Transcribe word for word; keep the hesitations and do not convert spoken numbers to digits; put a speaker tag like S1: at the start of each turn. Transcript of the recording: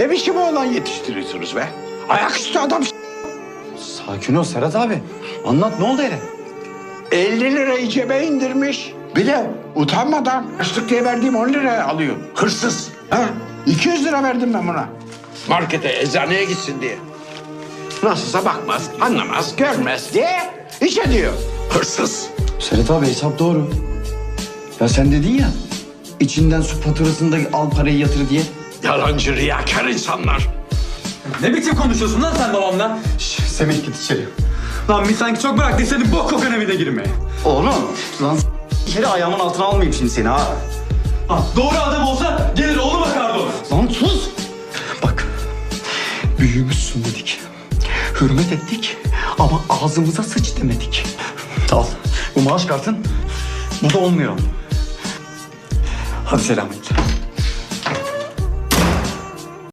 S1: Ne biçim oğlan yetiştiriyorsunuz be? Ayaküstü adam.
S2: Sakin ol Serhat abi. Anlat, ne oldu hele?
S1: elli lirayı cebe indirmiş. Bir de utanmadan açlık diye verdiğim on liraya alıyor. Hırsız. Ha? iki yüz lira verdim ben buna. Markete, eczaneye gitsin diye. Nasılsa bakmaz, anlamaz, görmez diye iş ediyor. Hırsız.
S2: Serhat abi, hesap doğru. Ya sen dedin ya, içinden su faturasını da al parayı yatır diye.
S1: Yalancı, riyakar insanlar.
S3: Ne biçim konuşuyorsun lan sen babamla?
S2: Şş, Semih git içeri.
S3: Lan biz sanki çok bıraktık seni bok kokan evine girmeye.
S2: Oğlum, lan s- içeri ayağımın altına almayayım şimdi seni ha.
S3: Ha, doğru adam olsa gelir oğlu bakardı ona.
S2: Lan sus! Bak, büyüğümüzsün dedik. Hürmet ettik ama ağzımıza sıç demedik. Al, bu maaş kartın. Bu da olmuyor. Hadi selamünaleyküm.